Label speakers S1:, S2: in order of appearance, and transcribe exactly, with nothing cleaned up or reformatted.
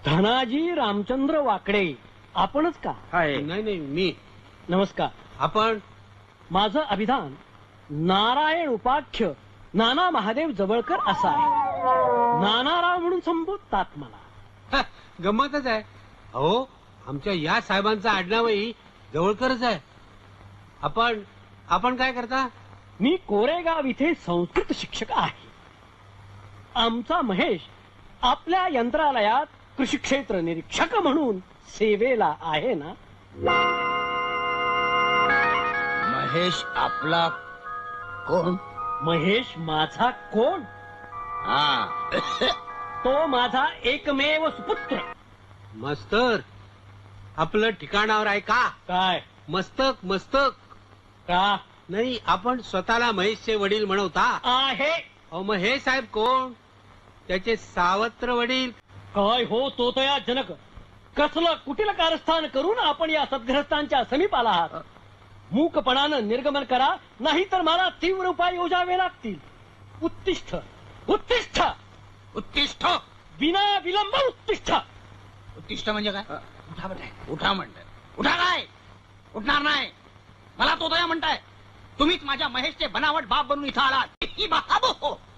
S1: धनाजी रामचंद्र वाकडे, आपणच का?
S2: नाही नाही मी.
S1: नमस्कार.
S2: आपण?
S1: माझं अभिधान नारायण उपाख्य नाना महादेव जवळकर असं आहे. नानाराव म्हणून संबोधतात मला.
S2: हा, गंमतच आहे. अहो, आमच्या या साहेबांचं आडनावही जवळकरच आहे. आपण आपण काय करता?
S1: मी कोरेगाव इथे संस्कृत शिक्षक आहे. आमचा महेश आपल्या यंत्रालयात कृषी क्षेत्र निरीक्षक म्हणून सेवेला आहे ना.
S3: महेश आपला कोण?
S1: महेश माझा कोण?
S3: हा
S1: तो माझा एकमेव सुपुत्र.
S2: मस्तर आपलं ठिकाणावर आहे का?
S1: काय?
S2: मस्तक मस्तक
S1: का?
S2: नाही, आपण स्वतःला महेशचे वडील म्हणवता.
S1: आहे.
S2: अहो, मग हे साहेब कोण? त्याचे सावत्र वडील.
S1: काय हो तो तया जनक, कसलं कुटील कारस्थान करून आपण या सद्ग्रस्तांच्या समीप आला आहात. मूकपणानं निर्गमन करा, नाही तर मला तीव्र उपाय योजावे लागतील. उत्तिष्ठ उत्तिष्ठ
S3: उत्तिष्ठ.
S1: विना विलंब उत्तिष्ठ.
S3: उत्तिष्ठ म्हणजे काय? उठा म्हणताय. उठा म्हणताय. उठा काय? उठणार नाही. मला तो दया म्हणताय. तुम्हीच माझ्या महेशचे बनावट बाप बनून इथं आलात. ही बाबो